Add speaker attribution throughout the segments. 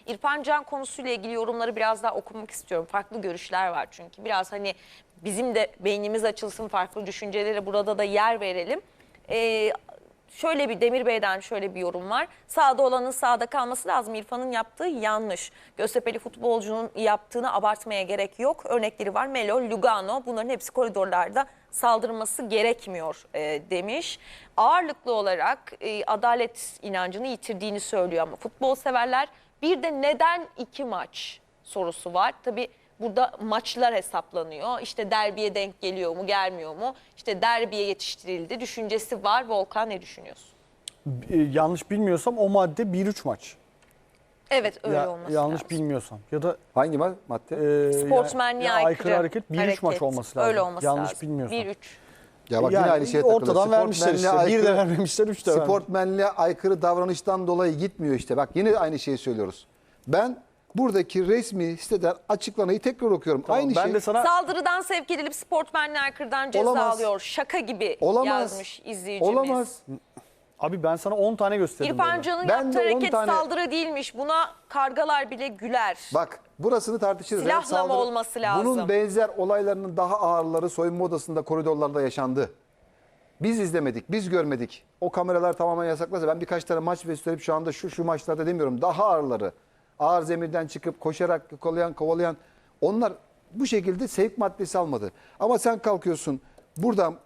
Speaker 1: İrfan Can konusuyla ilgili yorumları biraz daha okumak istiyorum. Farklı görüşler var çünkü. Biraz hani bizim de beynimiz açılsın, farklı düşüncelere burada da yer verelim. Şöyle bir Demir Bey'den şöyle bir yorum var. Sahada olanın sahada kalması lazım. İrfan'ın yaptığı yanlış. Göztepe'li futbolcunun yaptığını abartmaya gerek yok. Örnekleri var. Melo, Lugano, bunların hepsi koridorlarda saldırması gerekmiyor demiş. Ağırlıklı olarak adalet inancını yitirdiğini söylüyor ama futbol severler. Bir de neden 2 maç sorusu var. Tabii burada maçlar hesaplanıyor. İşte derbiye denk geliyor mu, gelmiyor mu? İşte derbiye yetiştirildi düşüncesi var. Volkan, ne düşünüyorsun?
Speaker 2: Yanlış bilmiyorsam o madde 1-3 maç.
Speaker 1: Evet, öyle olması
Speaker 2: yanlış
Speaker 1: lazım.
Speaker 2: bilmiyorsam. Ya da
Speaker 3: Hangi madde?
Speaker 1: Sportsmenliğe aykırı
Speaker 2: hareket 1-3 maç olması lazım.
Speaker 1: Öyle olması
Speaker 2: yanlış
Speaker 1: lazım.
Speaker 2: bilmiyorsam.
Speaker 1: 1-3.
Speaker 3: Ya bak
Speaker 2: Yani
Speaker 3: yine aynı şeye takılıyor.
Speaker 2: ortadan vermişler işte.
Speaker 3: Sportmenliğe
Speaker 2: 1 de vermemişler, 3 de vermemişler.
Speaker 3: Sportmenliğe aykırı davranıştan dolayı gitmiyor işte. Bak yine aynı şeyi söylüyoruz. Ben buradaki resmi siteden açıklamayı tekrar okuyorum.
Speaker 2: Tamam,
Speaker 3: aynı
Speaker 2: ben
Speaker 3: şey.
Speaker 2: de sana
Speaker 1: Saldırıdan sevk edilip sportmenliğe aykırıdan ceza
Speaker 3: Olamaz.
Speaker 1: alıyor. Şaka gibi yazmış izleyicimiz.
Speaker 3: Olamaz.
Speaker 2: abi ben sana 10 tane gösterdim.
Speaker 1: İrfan
Speaker 2: böyle.
Speaker 1: Can'ın
Speaker 3: Ben
Speaker 1: yaptığı
Speaker 3: de 10
Speaker 1: hareket
Speaker 3: tane-
Speaker 1: saldırı değilmiş. Buna kargalar bile güler.
Speaker 3: Bak burasını tartışırız.
Speaker 1: Silahla
Speaker 3: Yani
Speaker 1: mı olması lazım?
Speaker 3: Bunun benzer olaylarının daha ağırları soyunma odasında, koridorlarda yaşandı. Biz izlemedik, biz görmedik. O kameralar tamamen yasaklasa ben birkaç tane maç gösterip şu anda şu maçlarda demiyorum. Daha ağırları. Ağır zemirden çıkıp koşarak kovalayan onlar bu şekilde sevk maddesi almadı. Ama sen kalkıyorsun buradan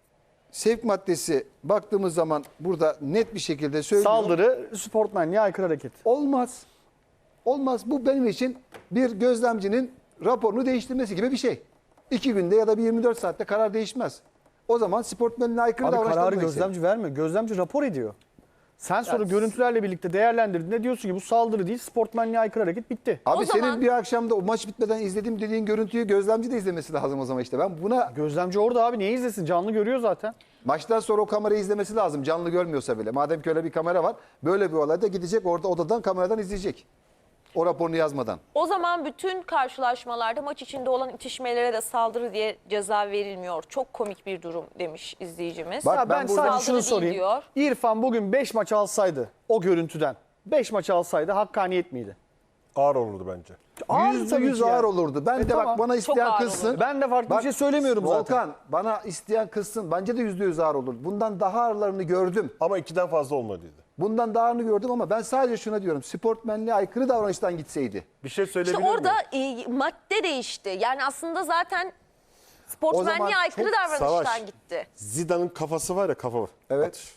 Speaker 3: sevk maddesi baktığımız zaman burada net bir şekilde söylüyor.
Speaker 2: Saldırı, sportmenliğe aykırı hareket.
Speaker 3: Olmaz. Olmaz. Bu benim için bir gözlemcinin raporunu değiştirmesi gibi bir şey. 2 günde ya da bir 24 saatte karar değişmez. O zaman sportmenliğe aykırı
Speaker 2: Abi
Speaker 3: davranışlar
Speaker 2: kararı
Speaker 3: demek
Speaker 2: gözlemci vermiyor. Gözlemci rapor ediyor. Sen sonra görüntülerle birlikte değerlendirdiğinde diyorsun ki bu saldırı değil, sportmenliğe aykırı hareket, bitti.
Speaker 3: Abi
Speaker 1: O
Speaker 3: senin
Speaker 1: zaman-
Speaker 3: bir akşamda o maç bitmeden izlediğim dediğin görüntüyü gözlemci de izlemesi lazım o zaman işte. Ben buna
Speaker 2: Gözlemci orada abi, niye izlesin? Canlı görüyor zaten.
Speaker 3: maçtan sonra o kamerayı izlemesi lazım. Canlı görmüyorsa bile. Madem ki öyle bir kamera var. Böyle bir olayda gidecek orada odadan kameradan izleyecek. O raporunu yazmadan.
Speaker 1: O zaman bütün karşılaşmalarda maç içinde olan itişmelere de saldırı diye ceza verilmiyor. Çok komik bir durum demiş izleyicimiz.
Speaker 3: Bak,
Speaker 2: Ya ben
Speaker 3: ben burada-
Speaker 2: sadece
Speaker 1: Saldırı
Speaker 2: şunu
Speaker 1: değil
Speaker 2: sorayım.
Speaker 1: diyor.
Speaker 2: İrfan bugün 5 maç alsaydı o görüntüden, 5 maç alsaydı hakkaniyet miydi?
Speaker 4: Ağır olurdu bence.
Speaker 2: Ağır tabii
Speaker 3: %100
Speaker 2: ki
Speaker 3: ağır
Speaker 2: yani.
Speaker 3: olurdu. Ben de
Speaker 2: tamam.
Speaker 3: bak bana isteyen
Speaker 1: ağır
Speaker 3: kızsın.
Speaker 1: olurdu.
Speaker 2: Ben de farklı bir şey söylemiyorum zaten.
Speaker 3: Volkan bana isteyen kızsın. Bence de %100 ağır olur. Bundan daha ağırlarını gördüm.
Speaker 4: Ama 2'den fazla olmalıydı.
Speaker 3: Bundan daha ağırını gördüm ama ben sadece şuna diyorum. Sportmenliğe aykırı davranıştan gitseydi.
Speaker 4: Bir şey
Speaker 1: İşte
Speaker 4: söyleyebilir
Speaker 1: orada
Speaker 4: miyim?
Speaker 1: madde değişti. Yani aslında zaten sportmenliğe
Speaker 3: zaman
Speaker 1: aykırı
Speaker 4: çok
Speaker 1: davranıştan
Speaker 4: savaş.
Speaker 1: gitti.
Speaker 4: Zidane'ın kafası var ya, kafa var.
Speaker 3: Evet.
Speaker 4: Atış.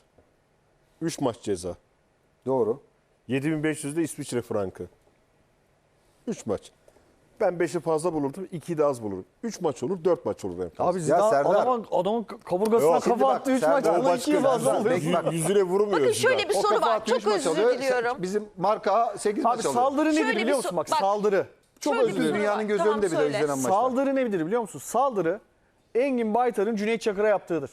Speaker 4: 3 maç ceza.
Speaker 3: Doğru.
Speaker 4: 7500 de İsviçre frankı. 3 maç. Ben 5'i fazla bulurdum, 2'yi de az bulurum. 3 maç olur, 4 maç olur en fazla.
Speaker 2: Abi Zidane
Speaker 3: Serdar-
Speaker 2: adamın kaburgasına
Speaker 4: Yok,
Speaker 2: kafa
Speaker 3: şimdi bak,
Speaker 2: attı 3 maç.
Speaker 3: Serdar
Speaker 2: Ona 2'yi fazla
Speaker 3: Serdar,
Speaker 2: alıyor.
Speaker 3: Bek- bak.
Speaker 4: Yüzüne vurmuyor
Speaker 1: Bakın şöyle bir
Speaker 4: Zidane.
Speaker 1: soru
Speaker 3: kafa
Speaker 1: var.
Speaker 3: atıyor, üç
Speaker 1: Çok
Speaker 3: maç
Speaker 1: özür
Speaker 3: alıyor.
Speaker 1: diliyorum.
Speaker 3: Bizim marka 8
Speaker 2: Abi
Speaker 3: maç alıyor.
Speaker 2: saldırı nedir
Speaker 1: Şöyle bir
Speaker 2: biliyor musun? Bak
Speaker 1: bak,
Speaker 2: saldırı. Çok
Speaker 1: şöyle
Speaker 2: özür
Speaker 1: bir
Speaker 2: dilerim.
Speaker 1: soru
Speaker 3: Dünyanın
Speaker 1: var.
Speaker 3: göz
Speaker 1: Tamam,
Speaker 3: önünde bile
Speaker 1: söyle.
Speaker 3: izlenen maçlar.
Speaker 2: Saldırı nedir biliyor musun? Saldırı Engin Baytar'ın Cüneyt Çakır'a yaptığıdır.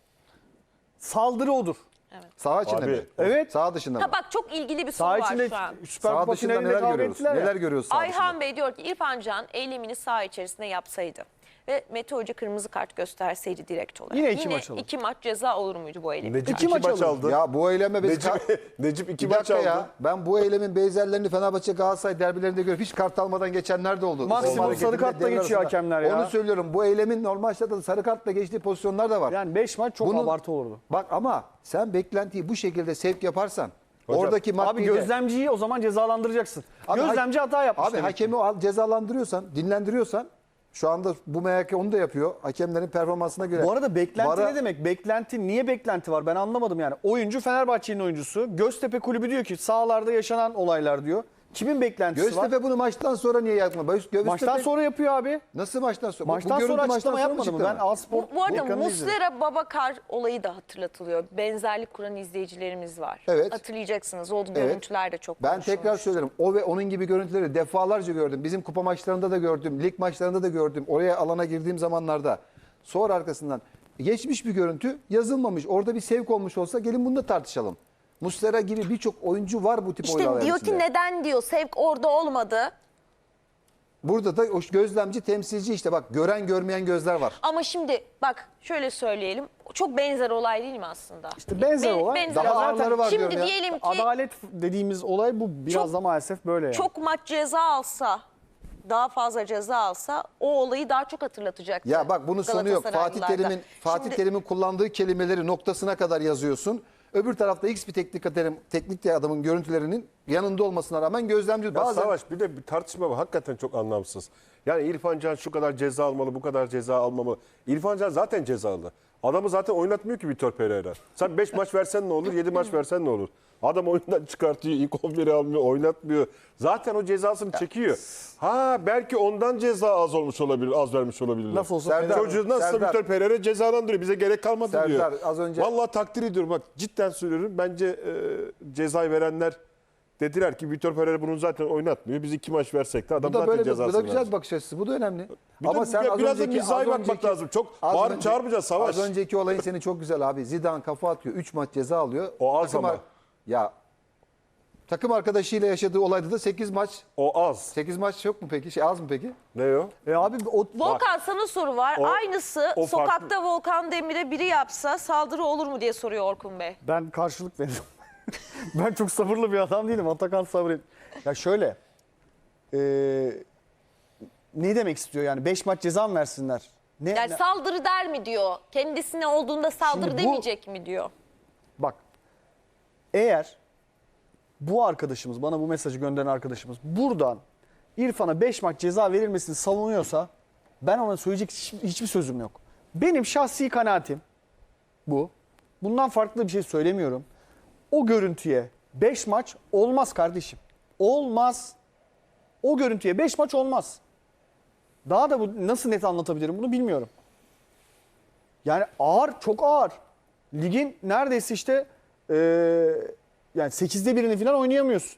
Speaker 2: Saldırı odur.
Speaker 3: Saha içinde
Speaker 4: Abi,
Speaker 3: mi?
Speaker 2: evet.
Speaker 3: Saha dışında mı?
Speaker 1: Ha bak, çok ilgili bir soru
Speaker 2: Saha
Speaker 1: var
Speaker 2: içinde
Speaker 1: şu an.
Speaker 2: Süper
Speaker 3: Saha
Speaker 2: Kupa
Speaker 3: dışında
Speaker 2: finalinde
Speaker 3: neler
Speaker 2: kavga
Speaker 3: görüyoruz?
Speaker 2: ettiler ya.
Speaker 3: Neler görüyoruz saha
Speaker 1: Ayhan
Speaker 3: dışında?
Speaker 1: Bey diyor ki İrfan Can eylemini saha içerisinde yapsaydı ve Mete Hoca kırmızı kart gösterseydi direkt olarak.
Speaker 2: Yine 2 maç alır.
Speaker 1: 2 maç ceza olur muydu bu eylem?
Speaker 4: Necip
Speaker 2: İki
Speaker 4: 2
Speaker 2: maç
Speaker 4: maç
Speaker 2: aldı.
Speaker 4: aldı.
Speaker 3: Ya bu eyleme biz...
Speaker 4: Necip 2
Speaker 3: Bir
Speaker 4: maç
Speaker 3: dakika
Speaker 4: aldı.
Speaker 3: ya. Ben bu eylemin benzerlerini Fenerbahçe Galatasaray derbilerinde görüp hiç kart almadan geçenler de oldu.
Speaker 2: Maksimum
Speaker 3: Forma hareketinde
Speaker 2: sarı kartla
Speaker 3: devre
Speaker 2: geçiyor
Speaker 3: arasında.
Speaker 2: hakemler ya.
Speaker 3: Onu söylüyorum. Bu eylemin normal şartlarda sarı kartla geçtiği pozisyonlar da var.
Speaker 2: Yani 5 maç çok
Speaker 3: Bunun-
Speaker 2: abartı olurdu.
Speaker 3: Bak ama sen beklentiyi bu şekilde sevk yaparsan
Speaker 4: Hocam,
Speaker 3: oradaki
Speaker 2: Abi
Speaker 3: maddeyi de-
Speaker 2: gözlemciyi o zaman cezalandıracaksın.
Speaker 3: Abi
Speaker 2: Gözlemci hata yapmış
Speaker 3: Abi
Speaker 2: demek ki.
Speaker 3: hakemi cezalandırıyorsan, dinlendiriyorsan şu anda bu MHK onu da yapıyor. Hakemlerin performansına göre.
Speaker 2: Bu arada beklenti
Speaker 3: Vara-
Speaker 2: ne demek? Beklenti, niye beklenti var? Ben anlamadım yani. Oyuncu Fenerbahçe'nin oyuncusu. Göztepe Kulübü diyor ki sahalarda yaşanan olaylar diyor. Kimin beklentisi var?
Speaker 3: Göztepe bunu maçtan sonra niye yapma?
Speaker 2: Maçtan sonra yapıyor abi.
Speaker 3: Nasıl maçtan sonra?
Speaker 2: Maçtan
Speaker 3: görüntü
Speaker 2: sonra
Speaker 3: maçtan
Speaker 2: açıklama
Speaker 3: sonra mı
Speaker 2: yapmadı mı?
Speaker 3: çıktı
Speaker 2: Ben
Speaker 3: ama?
Speaker 2: A-Spor
Speaker 1: Bu arada
Speaker 2: ekranını izledim.
Speaker 1: Muslera Babakar olayı da hatırlatılıyor. Benzerlik kuran izleyicilerimiz var.
Speaker 3: Evet.
Speaker 1: Hatırlayacaksınız. O
Speaker 3: Evet.
Speaker 1: görüntüler de çok
Speaker 3: Ben
Speaker 1: konuşulmuş.
Speaker 3: tekrar söylerim. O ve onun gibi görüntüleri defalarca gördüm. Bizim kupa maçlarında da gördüm. Lig maçlarında da gördüm. Oraya alana girdiğim zamanlarda. Sonra arkasından geçmiş bir görüntü yazılmamış. Orada bir sevk olmuş olsa gelin bunu da tartışalım. Muslera gibi birçok oyuncu var bu tip
Speaker 1: İşte
Speaker 3: olaylar
Speaker 1: diyor
Speaker 3: içinde.
Speaker 1: ki neden diyor sevk orada olmadı.
Speaker 3: Burada da o gözlemci temsilci işte bak gören görmeyen gözler var.
Speaker 1: Ama şimdi bak şöyle söyleyelim. Çok benzer olay değil mi aslında?
Speaker 2: İşte benzer olay.
Speaker 1: benzer
Speaker 3: Daha
Speaker 1: olay.
Speaker 3: ağırları var
Speaker 1: Şimdi
Speaker 3: diyorum ya.
Speaker 1: diyelim ki
Speaker 2: Adalet dediğimiz olay bu. Biraz
Speaker 1: Çok-
Speaker 2: da maalesef böyle yani.
Speaker 1: çok maç ceza alsa, daha fazla ceza alsa o olayı daha çok hatırlatacaktı.
Speaker 3: Ya bak bunun sonu yok.
Speaker 1: Galatasaraylılarda.
Speaker 3: Fatih
Speaker 1: Şimdi-
Speaker 3: Terim'in kullandığı kelimeleri noktasına kadar yazıyorsun. Öbür tarafta X bir teknik adamın görüntülerinin yanında olmasına rağmen gözlemci
Speaker 4: Ya
Speaker 3: bazen
Speaker 4: Savaş bir de bir tartışma var. Hakikaten çok anlamsız. Yani İrfan Can şu kadar ceza almalı, bu kadar ceza almamalı. İrfan Can zaten cezalı. Adamı zaten oynatmıyor ki Vitor Pereira. Sen 5 maç versen ne olur, 7 maç versen ne olur? Adam oyundan çıkartıyor, ilk 11'i almıyor, oynatmıyor. Zaten o cezasını çekiyor. Ha belki ondan ceza az olmuş olabilir, az vermiş olabilirler.
Speaker 2: Laf olsa
Speaker 3: Serdar-
Speaker 4: Çocuğu nasıl
Speaker 3: Serdar-
Speaker 4: Vitor Pereira cezalandırıyor. Bize gerek kalmadı
Speaker 3: Serdar,
Speaker 4: diyor.
Speaker 3: az önce-
Speaker 4: Vallahi takdir ediyorum. Bak cidden söylüyorum. Bence cezayı verenler dediler ki Vitor Pereira bunu zaten oynatmıyor. Biz 2 maç versek de adam
Speaker 3: bu da
Speaker 4: zaten
Speaker 3: böyle bu
Speaker 4: cezasını
Speaker 3: da güzel
Speaker 4: verecek.
Speaker 3: bir bakış açısı. Bu da önemli.
Speaker 4: Bir de biraz da mizahi bakmak lazım. Çok bağırıp çağırmayacağız Savaş.
Speaker 3: Az önceki olayın seni çok güzel abi. Zidane kafa atıyor. 3 maç ceza alıyor.
Speaker 4: O az ama.
Speaker 3: Ya takım arkadaşıyla yaşadığı olayda da 8 maç.
Speaker 4: O az.
Speaker 3: 8 maç yok mu peki? Az mı peki?
Speaker 4: Ne o?
Speaker 2: Abi o
Speaker 1: Volkan sana soru var.
Speaker 4: O-
Speaker 1: Aynısı
Speaker 4: o
Speaker 1: sokakta
Speaker 4: farklı.
Speaker 1: Volkan Demir'e biri yapsa saldırı olur mu diye soruyor Orkun Bey.
Speaker 2: ben karşılık veririm. Ben çok sabırlı bir adam değilim. Atakan sabret. Ya şöyle. Ne demek istiyor yani? 5 maç ceza mı versinler?
Speaker 1: Yani saldırı der mi diyor. Kendisine olduğunda saldırı
Speaker 2: Şimdi bu-
Speaker 1: demeyecek mi diyor.
Speaker 2: Bak. Eğer bu arkadaşımız, bana bu mesajı gönderen arkadaşımız buradan İrfan'a 5 maç ceza verilmesini savunuyorsa ben ona söyleyecek hiçbir sözüm yok. Benim şahsi kanaatim bu. Bundan farklı bir şey söylemiyorum. O görüntüye 5 maç olmaz kardeşim. Olmaz. O görüntüye 5 maç olmaz. Daha da bu nasıl net anlatabilirim bunu bilmiyorum. Yani ağır, çok ağır. Ligin neredeyse işte yani 8'de birini falan oynayamıyorsun.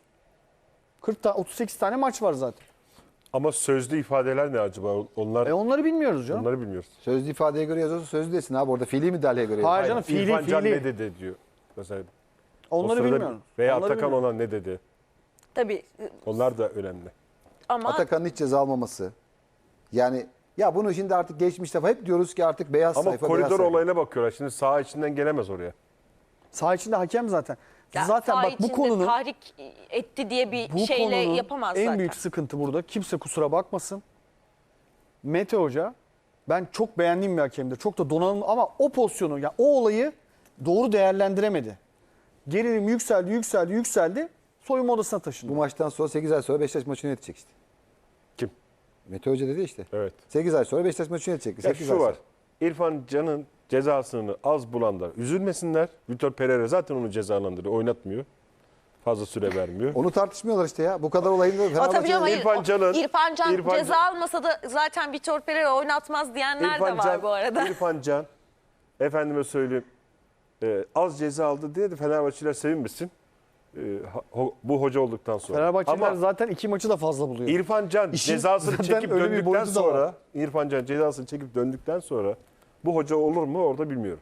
Speaker 2: 38 tane maç var zaten.
Speaker 4: Ama sözlü ifadeler ne acaba? Onlar
Speaker 2: Onları bilmiyoruz canım.
Speaker 4: onları bilmiyoruz.
Speaker 3: Sözlü ifadeye göre yazıyorsa sözlü desin abi. Orada fiili müdahaleye göre
Speaker 2: Hayır
Speaker 3: yazıyor.
Speaker 2: canım, fiili,
Speaker 4: İrfan Can
Speaker 2: fiili.
Speaker 4: ne dedi diyor. Mesela o
Speaker 2: Onları
Speaker 4: sırada
Speaker 2: bilmiyorum.
Speaker 4: Veya
Speaker 2: Onları
Speaker 4: Atakan
Speaker 2: bilmiyorum.
Speaker 4: ona ne dedi?
Speaker 1: Tabii
Speaker 4: Onlar da önemli.
Speaker 1: ama
Speaker 3: Atakan'ın hiç ceza almaması. Yani ya bunu şimdi artık geçmişte hep diyoruz ki artık beyaz
Speaker 4: Ama
Speaker 3: sayfa. beyaz
Speaker 4: koridor
Speaker 3: sayfa.
Speaker 4: olayına bakıyorlar. Şimdi saha içinden gelemez oraya.
Speaker 2: Saha içinde hakem zaten.
Speaker 1: ya
Speaker 2: Zaten
Speaker 1: saha
Speaker 2: bak bu
Speaker 1: içinde
Speaker 2: konunun
Speaker 1: tahrik etti diye bir
Speaker 2: bu
Speaker 1: şeyle
Speaker 2: konunun
Speaker 1: yapamaz
Speaker 2: en
Speaker 1: zaten.
Speaker 2: büyük sıkıntı burada. Kimse kusura bakmasın. Mete Hoca ben çok beğendiğim bir hakemdir. Çok da donanımlı ama o pozisyonu ya o olayı doğru değerlendiremedi. Gerilim yükseldi. Soyunma odasına taşındı.
Speaker 3: Bu maçtan sonra 8 ay sonra Beşiktaş maçını yönetecek işte.
Speaker 4: Kim?
Speaker 3: Mete Hoca dedi işte.
Speaker 4: Evet.
Speaker 3: 8 ay sonra Beşiktaş maçını yönetecek.
Speaker 4: Ya
Speaker 3: 8
Speaker 4: şu
Speaker 3: ay
Speaker 4: var.
Speaker 3: sonra.
Speaker 4: İrfan Can'ın cezasını az bulanlar üzülmesinler. Vitor Pereira zaten onu cezalandırıyor. Oynatmıyor. Fazla süre vermiyor.
Speaker 3: Onu tartışmıyorlar işte ya. Bu kadar olayın da
Speaker 1: Ama tabii
Speaker 3: Fenerbahçe'nin-
Speaker 1: canım, hayır.
Speaker 4: İrfan Can'ın-
Speaker 1: İrfan Can
Speaker 4: İrfan
Speaker 1: ceza
Speaker 4: Can-
Speaker 1: almasa da zaten Vitor Pereira oynatmaz diyenler de var bu arada.
Speaker 4: İrfan Can, efendime söyleyeyim, az ceza aldı diye de Fenerbahçeliler sevinmesin. Bu hoca olduktan sonra.
Speaker 2: Fenerbahçeliler
Speaker 4: Ama
Speaker 2: zaten 2 maçı da fazla buluyor.
Speaker 4: İrfan Can
Speaker 2: İşin
Speaker 4: cezasını
Speaker 2: zaten
Speaker 4: çekip
Speaker 2: öyle bir
Speaker 4: döndükten
Speaker 2: boyutu da var.
Speaker 4: sonra, İrfan Can cezasını çekip döndükten sonra bu hoca olur mu orada bilmiyorum.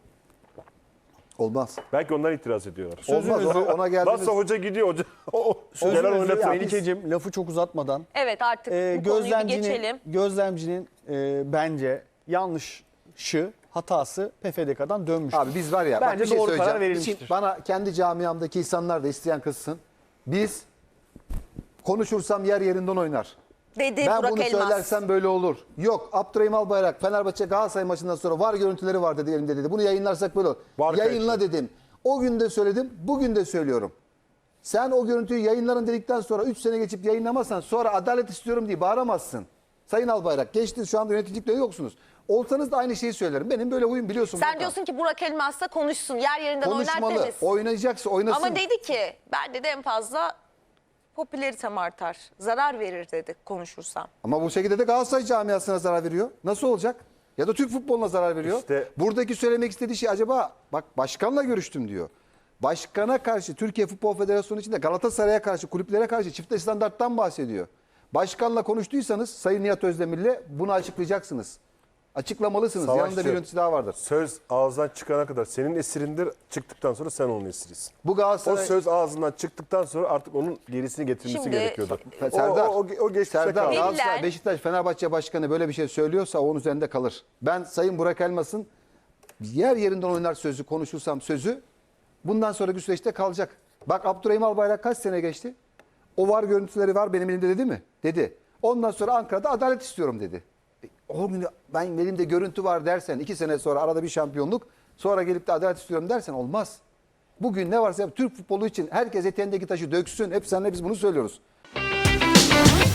Speaker 3: Olmaz.
Speaker 4: Belki onlar itiraz ediyorlar.
Speaker 3: Olmaz. Ona geldiğimiz...
Speaker 4: Nasıl hoca gidiyor hoca?
Speaker 2: Sözünüzü
Speaker 4: Gelen oynatıyor.
Speaker 2: Melike'cim lafı çok uzatmadan
Speaker 1: Evet artık bu konuyu bir geçelim.
Speaker 2: gözlemcinin bence yanlışı, hatası PFDK'dan dönmüş.
Speaker 3: Abi biz var ya bak
Speaker 2: Bence
Speaker 3: bir şey
Speaker 2: doğru karar
Speaker 3: söyleyeceğim.
Speaker 2: verilmiştir.
Speaker 3: Şimdi bana kendi camiamdaki insanlar da isteyen kızsın. Biz konuşursam yer yerinden oynar.
Speaker 1: Dedi
Speaker 3: Ben
Speaker 1: Burak
Speaker 3: bunu
Speaker 1: Elmas.
Speaker 3: söylersem böyle olur. Yok Abdurrahim Albayrak Fenerbahçe Galatasaray maçından sonra var görüntüleri var dedi elimde dedi. Bunu yayınlarsak böyle olur.
Speaker 4: Var
Speaker 3: Yayınla
Speaker 4: kayıtlı.
Speaker 3: dedim. O gün de söyledim, bugün de söylüyorum. Sen o görüntüyü yayınların dedikten sonra 3 sene geçip yayınlamazsan sonra adalet istiyorum diye bağıramazsın. Sayın Albayrak geçtiniz şu anda yöneticilikte yoksunuz. Olsanız da aynı şeyi söylerim. Benim böyle huyum biliyorsun.
Speaker 1: Sen
Speaker 3: Volkan.
Speaker 1: diyorsun ki Burak Elmas da konuşsun. Yer yerinden oynar
Speaker 3: Konuşmalı.
Speaker 1: demesin.
Speaker 3: Oynayacaksa oynasın.
Speaker 1: Ama dedi ki ben de en fazla popülaritem artar. Zarar verir dedi konuşursam.
Speaker 3: Ama bu şekilde de Galatasaray camiasına zarar veriyor. Nasıl olacak? Ya da Türk futboluna zarar veriyor.
Speaker 4: İşte-
Speaker 3: Buradaki söylemek istediği şey acaba bak başkanla görüştüm diyor. Başkana karşı Türkiye Futbol Federasyonu içinde Galatasaray'a karşı kulüplere karşı çifte standarttan bahsediyor. Başkanla konuştuysanız Sayın Nihat Özdemir'le bunu açıklayacaksınız. Açıklamalısınız.
Speaker 4: Savaşçı.
Speaker 3: Yanında bir yöneticisi daha vardır.
Speaker 4: Söz ağızdan çıkana kadar senin esirindir. Çıktıktan sonra sen onun esirisin.
Speaker 3: Bu
Speaker 4: O
Speaker 3: Galatasaray...
Speaker 4: söz ağzından çıktıktan sonra artık onun gerisini getirmesi
Speaker 1: Şimdi-
Speaker 4: gerekiyordu.
Speaker 3: Serdar,
Speaker 4: o geçmişte
Speaker 3: Serdar
Speaker 4: kaldı.
Speaker 3: Galatasaray,
Speaker 1: Veliler-
Speaker 3: Beşiktaş, Fenerbahçe Başkanı böyle bir şey söylüyorsa onun üzerinde kalır. Ben Sayın Burak Elmas'ın yer yerinden oynar sözü konuşursam sözü bundan sonraki süreçte kalacak. Bak Abdurrahim Albayrak kaç sene geçti? O var görüntüleri var benim elimde dedi mi? Dedi. Ondan sonra Ankara'da adalet istiyorum dedi. O gün ben elimde görüntü var dersen 2 sene sonra arada bir şampiyonluk sonra gelip de adalet istiyorum dersen olmaz. Bugün ne varsa yap, Türk futbolu için herkes eteğindeki taşı döksün. Hep seninle biz bunu söylüyoruz.